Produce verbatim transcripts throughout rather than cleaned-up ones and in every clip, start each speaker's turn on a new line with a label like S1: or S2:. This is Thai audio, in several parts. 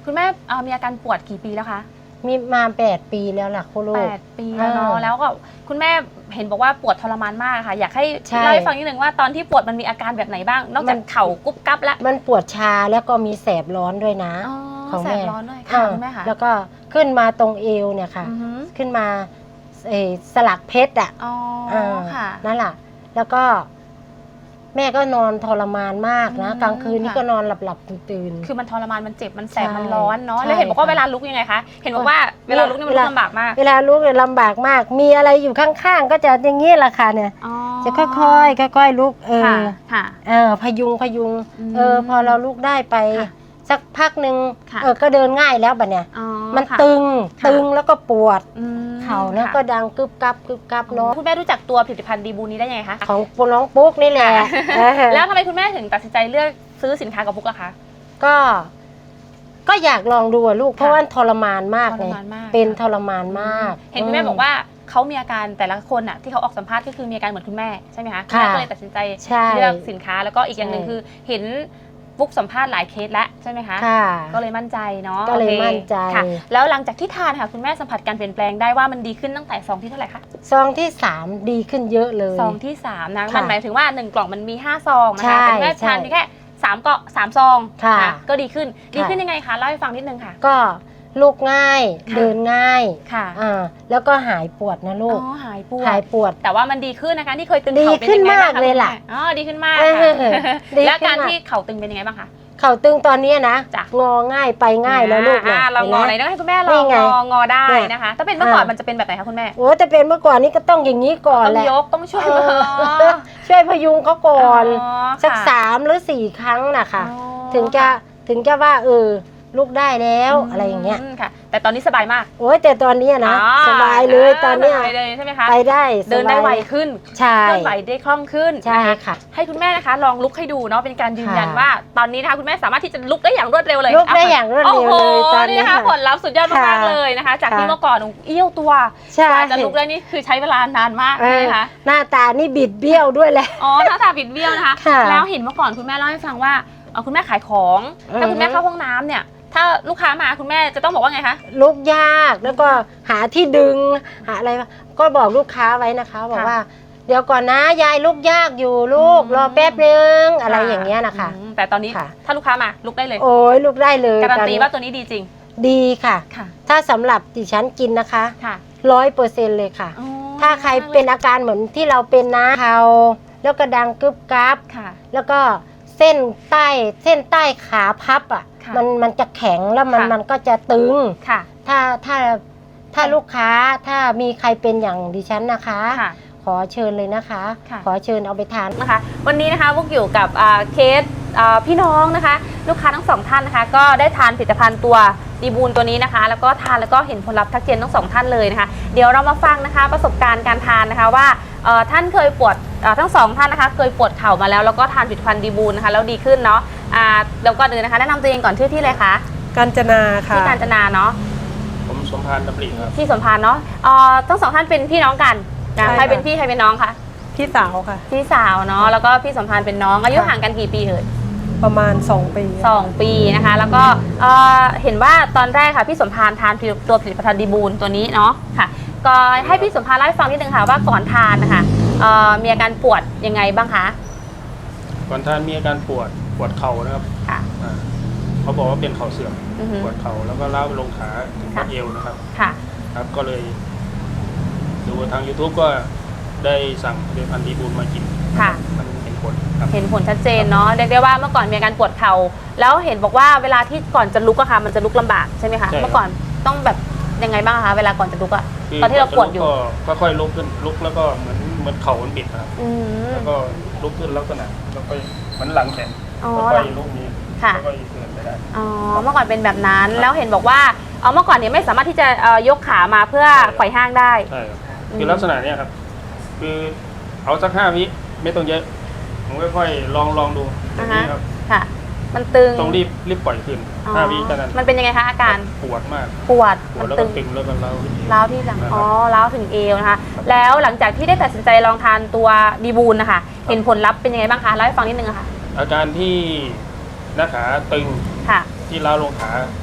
S1: คุณแม่มีอาการปวดกี่ปีแล้วคะ
S2: มีมาแปดปีแล้วล่ะคุณลูก
S1: แปดปีแล้วเนาะแล้วก็คุณแม่เห็นบอกว่าปวดทรมานมากค่ะอยากให้เล่าให้ฟังนิดนึงว่าตอนที่ปวดมันมีอาการแบบไหนบ้างนอกจากเข่ากุ๊บกั๊บแล้ว
S2: มันปวดชาแล้วก็มีแสบร้อนด้วยนะ
S1: ของแสบร้อนด้วยค่ะคุณแม่ค่ะ
S2: แล้วก็ขึ้นมาตรงเอวเนี่ยค่ะขึ้นมาสลักเพชรอ่ะนั่นแหละแล้วก็แม่ก็นอนทรมานมากนะกลางคืนนี่ก็นอนหลับหลับตื่น
S1: คือมันทรมานมันเจ็บมันแสบมันร้อนเนาะแล้วเห็นบอกว่าเวลาลุกยังไงคะเห็นบอกว่าเวลาลุกนี่มันลำบากมาก
S2: เวลาลุกเนี่ยลำบากมากมีอะไรอยู่ข้างๆก็จะอย่างนี้แหละค่ะเนี่ยจะค่อยๆค่อยๆลุกเออเออพยุงพยุงเออพอเราลุกได้ไปสักพักหนึ่งเออก็เดินง่ายแล้วบัดเนี่ยมันตึงตึงแล้วก็ปวดเข่าแล้วก็ดังกึบกับกึบกับเนาะ
S1: คุณแม่รู้จักตัวผลิตภัณฑ์ดีบูนี้ได้ยังไงคะ
S2: ของน้องปุ๊กนี่แหละ
S1: แล้วทำไมคุณแม่ถึงตัดสินใจเลือกซื้อสินค้ากับปุ๊กอะคะ
S2: ก็ก็อยากลองดูอะลูกเพราะว่าทรมานมากเลยเป็นทรมานมาก
S1: เห็นคุณแม่บอกว่าเขามีอาการแต่ละคนอะที่เขาออกสัมภาษณ์ก็คือมีอาการเหมือนคุณแม่ใช่ไหมคะคุณแม่ก็เลยตัดสินใจเลือกสินค้าแล้วก็อีกอย่างหนึ่งคือเห็นปุ๊กสัมภาษณ์หลายเคสแล้วใช่ไหมคะก็เลยมั่นใจเนาะ
S2: ก็เลยมั่นใจ
S1: แล้วหลังจากที่ทานค่ะคุณแม่สัมผัสการเปลี่ยนแปลงได้ว่ามันดีขึ้นตั้งแต่ซองที่เท่าไหร่คะ
S2: ซองที่สามดีขึ้นเยอะเลย
S1: ซองที่สามนะมันหมายถึงว่าหนึ่งกล่องมันมีห้าซองนะคะแต่แม่ทานเพียงแค่สามเกาะสามซองนะก็ดีขึ้นดีขึ้นยังไงคะเล่าให้ฟังนิดนึงค่ะ
S2: ก็ลุกง่ายเดินง่ายค่ะอ่าแล้วก็หายปวดนะลูก
S1: อ๋อหายปวด
S2: หายปวด
S1: แต่ว่ามันดีขึ้นนะคะที่เคยตึง
S2: เข่าเป็นยังไงบ้างคะดีขึ้นมากเลยล่ะ
S1: อ๋อดีขึ้นมากแล้วการที่เข่าตึงเป็นยังไงบ้างคะ
S2: เข่าตึงตอนนี้นะงอง่ายไปง่ายแล้วลูก
S1: นะเรางอไหนต้องให้คุณแม่ลองงองอได้นะคะถ้าเป็นเมื่อก่อนมันจะเป็นแบบไหนคะคุณแม่
S2: โอ้แต่เป็นเมื่อก่อนนี้ก็ต้องอย่างนี้ก่อนแหละ
S1: ต้องยกต้องช่วย
S2: ช่วยพยุงเขาก่อนสักสามหรือสี่ครั้งนะคะถึงจะถึงจะว่าเออลุกได้แล้วอะไรอย่างเงี้ย
S1: ค่ะแต่ตอนนี้สบายมาก
S2: โอ้ยแต่ตอนนี้นะสบายเลยตอนนี้
S1: ใช่ไหมคะ
S2: ไปได้
S1: เดินได้ไวขึ้น
S2: ใช่
S1: เคลื่อนไหวได้คล่องขึ้น
S2: ใช่ค่ะ
S1: ให้คุณแม่นะคะลองลุกให้ดูเนาะเป็นการยืนยันว่าตอนนี้นะคะคุณแม่สามารถที่จะลุกได้อย่างรวดเร็วเลย
S2: ลุกได้อย่างรวดเร็วเลย
S1: ตอนนี้นะคะผลลัพธ์สุดยอดมากเลยนะคะจากที่เมื่อก่อนเอี้ยวตัวกว่าจะลุกได้นี่คือใช้เวลานานมากนะคะ
S2: หน้าตานี่บิดเบี้ยวด้วยแหละ
S1: อ๋อหน้าตาบิดเบี้ยวนะคะแล้วเห็นเมื่อก่อนคุณแม่เล่าให้ฟังว่าคุณแม่ขายของถ้าคุณแม่เข้าห้องน้ำเนี่ยถ้าลูกค้ามาคุณแม่จะต้องบอกว่าไงคะ
S2: ลุกยากแล้วก็หาที่ดึงหาอะไรก็บอกลูกค้าไว้นะคะบอกว่าเดี๋ยวก่อนนะยายลุกยากอยู่ลูกรอแป๊บนึงอะไรอย่างเงี้ยนะคะ
S1: แต่ตอนนี้ถ้าลูกค้ามาลุกได้เลย
S2: โอ้ยลุกได้เลย
S1: การันตีว่าตัวนี้ดีจริง
S2: ดีค่ะถ้าสำหรับดิฉันกินนะคะร้อยเปอร์เซ็นต์เลยค่ะถ้าใครเป็นอาการเหมือนที่เราเป็นนะเข่าแล้วก็ดังกึบกั๊บแล้วก็เส้นใต้เส้นใต้ขาพับอ่ะมันมันจะแข็งแล้วมันมันก็จะตึงถ้าถ้าถ้าลูกค้าถ้ามีใครเป็นอย่างดิฉันนะคะขอเชิญเลยนะคะขอเชิญเอาไปทาน
S1: นะคะวันนี้นะคะพวกอยู่กับเคสพี่น้องนะคะลูกค้าทั้งสองท่านนะคะก็ได้ทานผลิตภัณฑ์ตัวดีบูนตัวนี้นะคะแล้วก็ทานแล้วก็เห็นผลลัพธ์ทักเจนทั้งสองท่านเลยนะคะเดี๋ยวเรามาฟังนะคะประสบการณ์การทานนะคะว่าท่านเคยปวดทั้งสองท่านนะคะเคยปวดเข่ามาแล้วแล้วก็ทานผลิตภัณฑ์ดีบูนนะคะแล้วดีขึ้นเนาะแล้วก็เดินนะคะแนะนำตัวเองก่อนชื่อที่เลยคะ
S3: กาญจนาค่ะ
S1: ที่กาญจนาเนาะ
S4: ผมสมพานดำริครับ
S1: พี่สมพานเนาะทั้งสองท่านเป็นพี่น้องกันใครเป็นพี่ใครเป็นน้องคะ
S3: พี่สาวค่ะ
S1: พี่สาวเนาะแล้วก็พี่สมพานเป็นน้องอายุห่างกันกี่ปีเอ่ย
S3: ประมาณสองปี
S1: สองปีนะคะแล้วก็เห็นว่าตอนแรกค่ะพี่สมพานทานตัวผลิตภัณฑ์ดีบูนตัวนี้เนาะค่ะก็ให้พี่สมพานเล่าให้ฟังนิดนึงค่ะว่าก่อนทานนะคะมีอาการปวดยังไงบ้างคะ
S4: ก่อนทานมีอาการปวดปวดเข่านะครับค่ะเขาบอกว่าเป็นเข่าเสื่อมปวดเข่าแล้วก็ล้าวลงขาถึงข้อเอวนะครับค่ะครับก็เลยดูทาง ยูทูบ ก็ได้สั่งผลิตภัณฑ์ดีบูนมากินค่ะมันเห็นผลครับ
S1: เห็นผลชัดเจนเนาะเรียกได้ว่าเมื่อก่อนมีอาการปวดเข่าแล้วเห็นบอกว่าเวลาที่ก่อนจะลุกอะค่ะมันจะลุกลำบากใช่ไหมคะเมื่อก่อนต้องแบบยังไงบ้างคะเวลาก่อนจะลุกอะตอนที่เราปวดอยู่
S4: ก็ค่อยลุกขึ้นลุกแล้วก็เหมือนเหมือนเข่ามันบิดครับแล้วก็ลุกขึ้นลักษณะแล้วก็เหมือนหลังแข็งแล้วก็ลุกนี้แล้วก็เดินไปได้
S1: อ๋อเมื่อก่อนเป็นแบบนั้นแล้วเห็นบอกว่าเอาเมื่อก่อนเนี่ยไม่สามารถที่จะยกขามาเพื่อไขว่ห้างได้
S4: ใช่คือลักษณะนี้ครับคือเอาสักห้าวิไม่ต้องเยอะผมค่อยๆลองลองดู
S1: นี่ครับค่ะมันตึง
S4: ต้องรีบรีบปล่อยขึ้นห้าวิเท่านั้น
S1: มันเป็นยังไงคะอาการ
S4: ปวดมาก
S1: ปวด
S4: ปวดแล้วก็ตึงแล้วก็เล้า
S1: เล้าที่หลังอ๋อเล้าถึงเอวนะคะแล้วหลังจากที่ได้ตัดสินใจลองทานตัวดีบูนนะคะเห็นผลลัพธ์เป็นยังไงบ้างคะเล่าให้ฟังนิดนึงค่ะ
S4: อาการที่หน้าขาตึงที่เล้าลงขา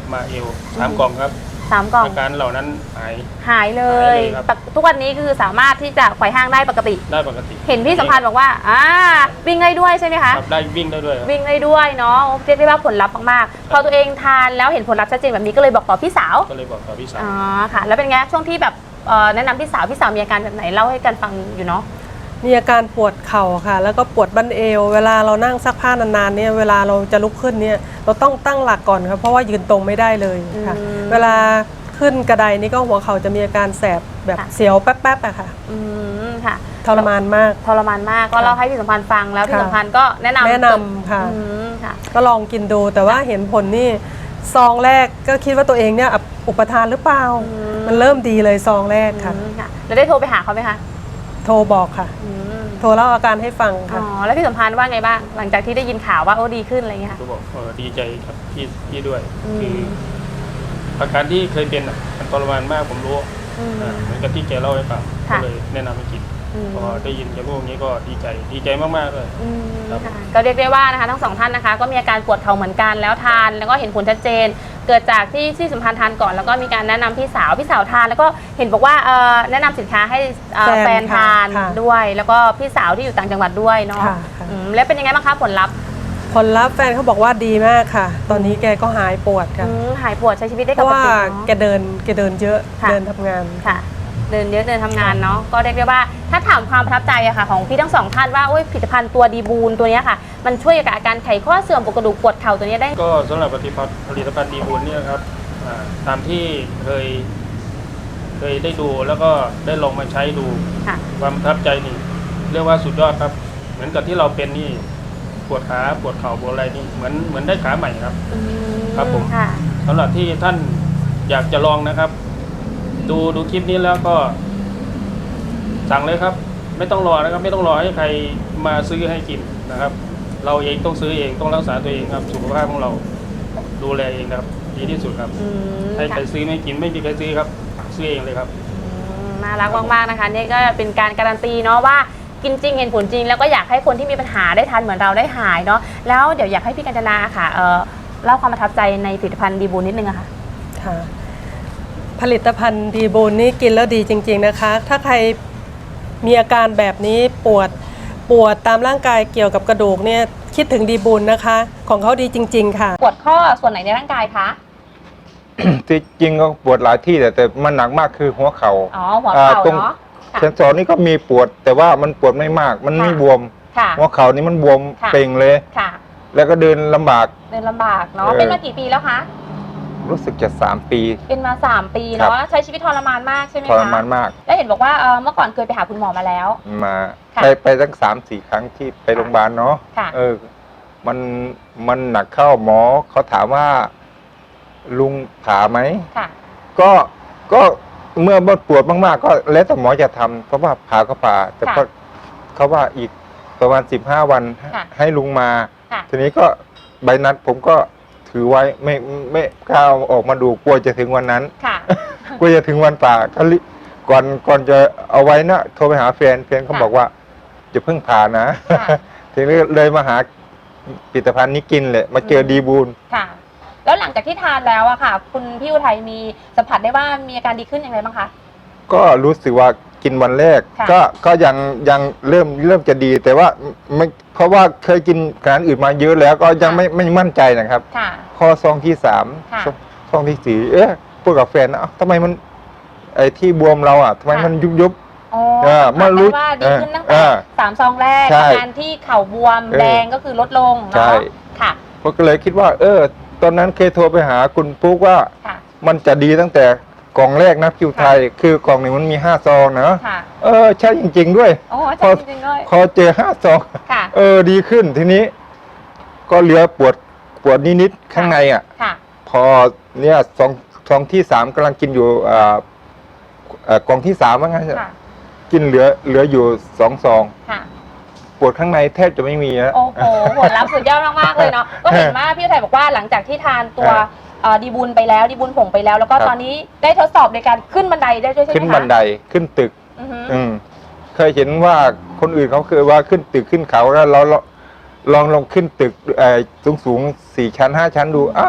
S4: มาเอวสามกล่องครับ
S1: สามกล่อง
S4: อาการเหล่านั้นหาย
S1: หายเล
S4: หาย ยเลยครับ
S1: ปกทุกวันนี้คือสามารถที่จะไขว่ห้างได้ปกติ
S4: ได้ปกติ
S1: เห็นพี่สัมพันธ์บอกว่าอ่าวิ่งได้ด้วยใช่ไหมคะ
S4: ครับได้วิ่งได้ด้วยครับ
S1: วิ่งได้ด้วยเนาะเรียกได้ว่าผลลัพธ์มากๆพอตัวเองทานแล้วเห็นผลลัพธ์ชัดเจนแบบนี้ก็เลยบอกต่อพี่สาว
S4: ก็เลยบอกกับพี่สาว
S1: อ๋อค่ะ แล้วเป็นไงช่วงที่แบบเอ่อแนะนำพี่สาวพี่สาวมีอาการแบบไหนเล่าให้กันฟังอยู่เนาะ
S3: มีอาการปวดเข่าค่ะ แล้วก็ปวดบั้นเอว เวลาเรานั่งซักผ้านานๆเนี่ยเวลาเราจะลุกขึ้นเนี่ยเราต้องตั้งหลักก่อนครับเพราะว่ายืนตรงไม่ได้เลยค่ะ
S1: อืม
S3: เวลาขึ้นกระไดนี่ก็หัวเข่าจะมีอาการแสบแบบ
S1: ค่ะ
S3: เสียวแป๊บๆอะค่ะ
S1: อืมค่ะ
S3: ทรมานมาก
S1: ทรมานมากก็เล่าให้พี่สัมพันธ์ฟังแล้วพี่
S3: ค่ะ
S1: สัมพันธ์ก็แนะนำ
S3: แนะนำค่ะ
S1: อืมค่ะ
S3: ก็ลองกินดูแต่ว่าเห็นผลนี่ซองแรกก็คิดว่าตัวเองเนี่ยอุปทานหรือเปล่า
S1: อืม
S3: มันเริ่มดีเลยซองแรกค่ะ
S1: อืมค่ะแล้วได้โทรไปหาเขาไหมคะ
S3: โทรบอกค่ะ
S1: อืม
S3: โทรเล่าอาการให้ฟัง
S1: อ๋
S3: ค่ะ
S1: อแล้วพี่สัมพันธ์ว่าไงบ้างหลังจากที่ได้ยินข่าวว่าโอ้ดีขึ้นอะไรเงี้ยค่ะ
S4: ก็บอกเออดีใจครับพี่พี่ด้วย
S1: อืม
S4: คืออาการที่เคยเป็นอ่ะมันทรมานมากผมรู้
S1: อืม
S4: อ่าเหมือนกับที่แกเล่าให้ฟัง
S1: ค่ะ
S4: ก็เลยแนะนำให้กิน
S1: อืม
S4: พอได้ยินแกพูดอย่างนี้ก็ดีใจดีใจมากๆเลย
S1: อืม
S4: ครับ
S1: ค่ะก็เรียกได้ว่านะคะทั้งสองท่านนะคะก็มีอาการปวดเข่าเหมือนกันแล้วทานแล้วก็เห็นผลชัดเจน เกิดจากที่ที่สัมพันธ์ทานก่อนแล้วก็มีการแนะนำพี่สาวพี่สาวทาน แล้วก็เห็นบอกว่าเอ่อแนะนำสินค้าให้เอ่อ
S3: แฟน
S1: แฟนทาน
S3: ค่ะ
S1: ด้วย แล้วก็พี่สาวที่อยู่ต่างจังหวัดด้วยเนาะ
S3: ค่ะค่ะ
S1: อืมแล้วเป็นยังไงบ้างคะผลลัพธ์
S3: ผลลัพธ์แฟนเขาบอกว่าดีมากค่ะ ตอนนี้แกก็หายปวดค่ะ
S1: อืมหายปวดใช้ชีวิตได้
S3: เพ
S1: ป
S3: ราะ
S1: ก
S3: ว่า
S1: ติ
S3: แก
S1: เนาะ
S3: เดินแกเดินเยอะ
S1: ค่ะ
S3: เดินทำงาน
S1: ค่ะ เดินเยอะเดินทำงานเนาะก็เรียกได้ว่าถ้าถามความประทับใจอะค่ะของพี่ทั้งสองท่านว่าโอ้ยผลิตภัณฑ์ตัวดีบูนตัวเนี้ยค่ะ มันช่วยกับอาการไขข้อเสื่อมปวดกระดูกปวดเข่าตัวเนี้ยได้
S4: ก็สำหรับผลิตภัณฑ์ผลิตภัณฑ์ดีบุญเนี่ยครับอ่าตามที่เคย เคยได้ดูแล้วก็ได้ลองมาใช้ดู
S1: ค่ะ
S4: ความประทับใจนี่เรียกว่าสุดยอดครับ เหมือนกับที่เราเป็นนี่ปวดขาปวดเข่าปวดอะไรนี่เหมือนเหมือนได้ขาใหม่ครับ
S1: อืม
S4: ครับผม
S1: ค่ะ
S4: สำหรับที่ท่านอยากจะลองนะครับ ดูดูคลิปนี้แล้วก็ สั่งเลยครับ ไม่ต้องรอนะครับ ไม่ต้องรอให้ใครมาซื้อให้กินนะครับ เราเองต้องซื้อเองต้องรักษาตัวเองครับ สุขภาพของเราดูแลเองครับ ดีที่สุดครับ
S1: อืม
S4: ให้ใคร
S1: ค่ะ
S4: ซื้อไม่กินไม่มีใครซื้อครับ ซื้อเองเลยครับ
S1: อืมน่ารักมากๆนะคะนี่ก็เป็นการการันตีเนาะว่ากินจริงเห็นผลจริง แล้วก็อยากให้คนที่มีปัญหาได้ทานเหมือนเราได้หายเนาะแล้วเดี๋ยวอยากให้พี่กัญจนาค่ะเอ่อเล่าความประทับใจในผลิตภัณฑ์ดีบูนนิดนึงอะค่ะ
S3: ค่ะ ผลิตภัณฑ์ดีบูนนี่กินแล้วดีจริง ๆนะคะ ถ้าใครมีอาการแบบนี้ปวดปวดตามร่างกายเกี่ยวกับกระดูกเนี่ยคิดถึงดีบูนนะคะ ของเขาดีจริง ๆ ค่ะ
S1: ปวดข้อส่วนไหนในร่างกายคะ
S5: ที่จริงก็ปวดหลายที่แต่แต่มันหนักมากคือหัวเขา
S1: อ๋อหัวเข่า
S5: อ่าตรง
S1: เนาะค่ะ
S5: เซนสอนนี่ก็มีปวด แต่ว่ามันปวดไม่มาก มันไม่
S1: ค่ะ
S5: บวม
S1: ค่ะ
S5: หัวเข่านี่มันบวม
S1: ค่ะ
S5: เป่งเลย
S1: ค่ะ
S5: แล้วก็เดินลำบาก
S1: เดินลำบากเนาะ
S5: เออ
S1: เป็นมากี่ปีแล้วคะ
S5: รู้สึกจะสามปี
S1: เป็นมาสามปี
S5: ครั
S1: เนาะ
S5: บ
S1: ใช้ชีวิตทรมานมากใช่ไหม
S5: ท
S1: คะ
S5: รมานมาก
S1: แล้วเห็นบอกว่าเอ่อเมื่อก่อนเคยไปหาคุณหมอมาแล้ว
S5: มา
S1: ค่ะ
S5: ไปไปตั้งสามสี่ครั้งที่ไปโรงพยาบาลเนาะ
S1: ค่ะ
S5: เออ มันมันหนักเข้าหมอเขาถามว่า ลุงผ่าไหม
S1: ค่ะ
S5: ก็ก็เมื่อมันปวดมากๆ ก็แล้วแต่หมอจะทำเพราะว่าผ่าก็ผ่า แต่
S1: ค่ะ
S5: ก็เขาว่าอีกประมาณสิบห้าวัน
S1: ค่ะ
S5: ให้ลุงมา
S1: ค่ะ
S5: ทีนี้ก็ใบนัดผมก็ถือไว้ไม่ไม่กล้าเอาออกมาดูกลัวจะถึงวันนั้น
S1: ค่ะ
S5: กลัวจะถึงวันป่าก็รีก่อนก่อนจะเอาไว้นะโทรไปหาแฟนแฟนเขา
S1: ค่ะ
S5: บอกว่าจะเพิ่งผ่านะ
S1: ค่ะ
S5: ทีนี้เลยมาหาผลิตภัณฑ์นี้กินเลยมาเจอดีบูล
S1: ค่ะ แล้วหลังจากที่ทานแล้วอะค่ะ คุณพี่อุทัยมีสัมผัสได้ว่ามีอาการดีขึ้นอย่างไรบ้างคะ
S5: ก็รู้สึกว่ากินวันแรก
S1: ค่ะ
S5: ก็ก็ยังยังเริ่มเริ่มจะดี แต่ว่าไม่เพราะว่าเคยกินอาหารอื่นมาเยอะแล้วก็ยังไม่ไม่มั่นใจนะครับ
S1: ค่ะ
S5: ข้อซองที่สาม
S1: ค่ะ
S5: ซองซองที่สี่เอ๊ะพูดกับแฟนนะเอ้าทำไมมันไอ้ที่บวมเราอ่ะทำไม
S1: ค่ะ
S5: มันยุบยุบ
S1: อ๋อ
S5: เออ
S1: สัมผัส
S5: เมื่อรู้
S1: ได้ว่าดีขึ้นตั้ง
S5: เอ
S1: แต่
S5: อ
S1: สามซองแรก
S5: ใช่
S1: อาการที่เข่าบวม
S5: เออ
S1: แดงก็คือลดลง
S5: ใช่
S1: เนาะค่ะ
S5: ผมก็เลยคิดว่า เออ ตอนนั้นเคยโทรไปหาคุณปุ๊กว่า
S1: ค่ะ
S5: มันจะดีตั้งแต่กล่องแรกนะคิวไทย คือกล่องหนึ่งมันมีห้าซองนะ
S1: ค่ะ
S5: เออใช่จริง ๆ ด้วย
S1: โอ้ใช่จริงๆด้วย
S5: พอเจอห้าซอง
S1: ค่ะ
S5: เออดีขึ้นทีนี้ ก็เหลือปวดปวดนิดๆข้างในอ่ะ
S1: ค่ะ
S5: พอเนี่ยซองซองที่สามกำลังกินอยู่อ่าเอ่อกล่องที่สามว่างั้น
S1: ค่ะ
S5: กินเหลือเหลืออยู่สองซอง
S1: ค่ะ
S5: ปวดข้างในแทบจะไม่มีนะ
S1: โอ้โหผลลัพธ์สุดยอดมากๆเลยเนาะ ก็เห็นว่าพี่อุทัยบอกว่าหลังจากที่ทานตัว
S5: ครับ
S1: เอ่อดีบุญไปแล้วดีบุญผงไปแล้ว แล้วก็
S5: ครับ
S1: ตอนนี้ได้ทดสอบในการขึ้นบันไดได้ด้วยใช่ไหมคะ
S5: ขึ้นบันไดขึ้นตึก
S1: อือฮึ
S5: อืมเคยเห็นว่าคนอื่นเขาเคยว่าขึ้นตึกขึ้นเขาแล้วเราเราลองลองขึ้นตึกสูงสูงๆสี่ชั้นห้าชั้นดูอ้าว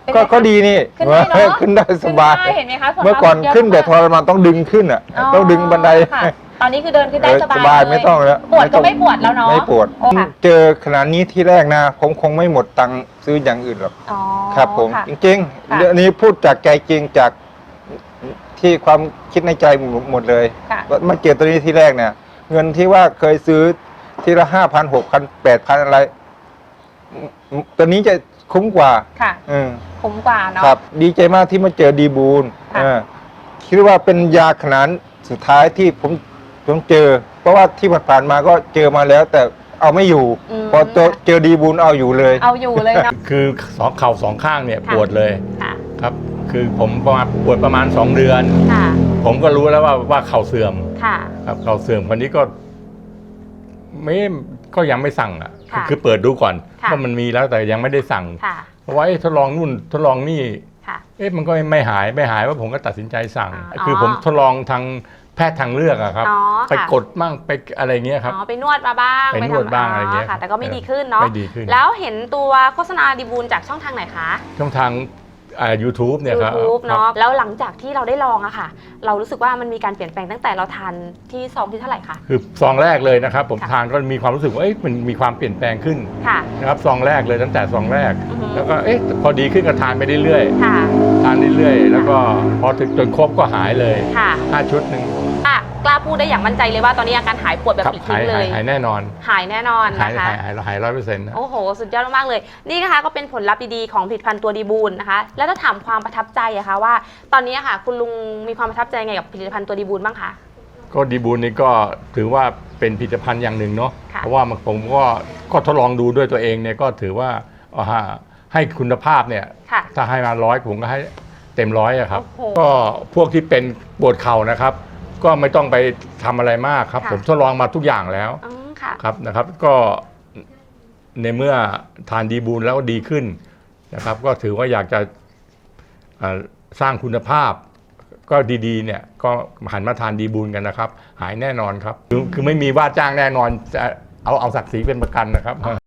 S1: เป็นไง
S5: ก็
S1: คะ
S5: ก็ดีนี่
S1: ขึ้นได้เนอะ
S5: ขึ้นได้สบาย
S1: ขึ้นได้เห็นไหมคะผลลัพธ์
S5: เมื่อก่อน
S1: สุดยอด
S5: ขึ้นแบบ
S1: มาก
S5: ทรมานต้องดึงขึ้นอ่ะต้องดึงบันได
S1: ค่ะตอนนี้คือเดินขึ้นได้
S5: เออ
S1: ส
S5: ส
S1: บาย
S5: บาย
S1: เลย
S5: ไม่ต้องแล้ว
S1: ปวดก็
S5: ต้อง
S1: ไม่ปวดแล้วเนาะ
S5: ไม่ปวด
S1: โอ้ค่ะ
S5: เจอขนาดนี้ที่แรกนะผมคงไม่หมดตังค์ซื้ออย่างอื่นหรอก
S1: อ๋อ
S5: ครับผม
S1: ค่ะ
S5: จริง
S1: ค่ะ
S5: ๆเรื่องนี้พูดจากใจจริงจากที่ความคิดในใจหมดเลย
S1: ค่ะ
S5: ว่ามาเจอตัวนี้ที่แรกเนี่ย เงินที่ว่าเคยซื้อทีละห้าพันหกพันแปดพันอะไรอืมตัวนี้จะคุ้มกว่า
S1: ค่ะ
S5: อืม
S1: คุ้มกว่าเนาะ
S5: ครับ ดีใจมากที่มาเจอดีบูล
S1: ค่ะ
S5: เออคิดว่าเป็นยาขนาดสุดท้ายที่ผมผมเจอ เพราะว่าที่ผ่านๆมาก็เจอมาแล้ว แต่เอาไม่อยู่
S1: ม
S5: พอเจอเจอดีบูลเอาอยู่เลย
S1: เอาอยู่เลยเนาะ
S6: คือสองเข่าสองข้างเนี่ย
S1: ค่ะ
S6: ปวดเลย
S1: ค่ะ
S6: ครับ คือผมประมาณปวดประมาณสองเดือน
S1: ค่ะ
S6: ผมก็รู้แล้วว่าว่าเข่าเสื่อม
S1: ค่ะ
S6: ครับเข่าเสื่อมคนนี้ก็ไม่ก็ยังไม่สั่งอ่ะ
S1: ค่ะ
S6: คือเปิดดูก่อน
S1: ค่ะ
S6: ว่ามันมีแล้วแต่ยังไม่ได้สั่ง
S1: ค่ะ
S6: เพราะว่าเอ๊ะทดลองนู่นทดลองนี่
S1: ค่ะ
S6: เอ๊ะมันก็ไม่หายไม่หายว่าผมก็ตัดสินใจสั่ง
S1: อ๋อ
S6: คือผมทดลองทางแพทย์ทางเลือกอะครับ
S1: อ๋อ
S6: ไป
S1: ค่ะ
S6: กดมั่งไปอะไรเงี้ยครับ
S1: อ๋อไปนวดมาบ้าง
S6: ไปนวด
S1: ทำ
S6: บ้างอะไรเงี้ย
S1: ค่ะ แต่ก็ไม่
S6: เออ
S1: ดีขึ้นเนาะ
S6: ไม่ดีขึ้น
S1: แล้วเห็นตัวโฆษณาดีบูลจากช่องทางไหนคะ
S6: ช่องทางอ่า ยูทูบเนี่ยครับ
S1: YouTube
S6: ครับ
S1: เนาะแล้วหลังจากที่เราได้ลองอะค่ะ เรารู้สึกว่ามันมีการเปลี่ยนแปลงตั้งแต่เราทานที่ซองที่เท่าไหร่คะ
S6: คือซองแรกเลยนะครับ ผม
S1: ค่ะ
S6: ทานก็มีความรู้สึกว่าเอ๊ะมันมีความเปลี่ยนแปลงขึ้น
S1: ค่ะ
S6: นะครับซองแรกเลยตั้งแต่ซองแรก
S1: อือฮึ
S6: แล้วก็เอ๊ะพอดีขึ้นก็ทานไปเรื่อย
S1: ค่ะ
S6: ๆทานเรื่อยๆแล้วก็พอถึงจนครบก็หายเลย
S1: ค่ะ
S6: ห้าชุดหนึ่ง
S1: อ่ะกล้าพูดได้อย่างมั่นใจเลยว่าตอนนี้อาการหายปวดแบบ
S6: ครับ
S1: ปลิด
S6: หา
S1: ทิ้
S6: ย
S1: งเล
S6: หาย
S1: ย
S6: หายแน่นอน
S1: หายแน่นอน
S6: หาย
S1: นะคะ
S6: หายหายหายร้อยเปอร์เซ็นต์นะ
S1: โอ้โห สุดยอดมากๆเลย นี่นะคะก็เป็นผลลัพธ์ดีๆของผลิตภัณฑ์ตัวดีบูลนะคะ แล้วถ้าถามความประทับใจอะคะว่า ตอนนี้อะค่ะ คุณลุงมีความประทับใจไงกับผลิตภัณฑ์ตัวดีบูลบ้างคะ
S6: ก็ดีบูลนี่ก็ถือว่าเป็นผลิตภัณฑ์อย่างหนึ่งเนาะ
S1: ค่ะ
S6: เพราะว่ามันผมก็ก็ทดลองดูด้วยตัวเองเนี่ยก็ถือว่าเอาฮะให้คุณภาพเนี่ย
S1: ค่ะ
S6: ถ้าให้มาร้อยผมก็ให้เต็มร้อยอะครับ
S1: โอ้โห
S6: ก็พวกที่เป็นปวดเข่านะครับ ก็ไม่ต้องไปทำอะไรมากครับ
S1: ค่ะ
S6: ผมทดลองมาทุกอย่างแล้ว
S1: อืมค่ะ
S6: ครับนะครับ ก็ในเมื่อทานดีบูลแล้วดีขึ้นนะครับ ก็ถือว่าอยากจะเอ่อสร้างคุณภาพ ก็ดีๆเนี่ยก็หันมาทานดีบูลกันนะครับ หายแน่นอนครับ คือคือไม่มีว่าจ้างแน่นอนจะเอาเอาศักดิ์ศรีเป็นประกันนะครับ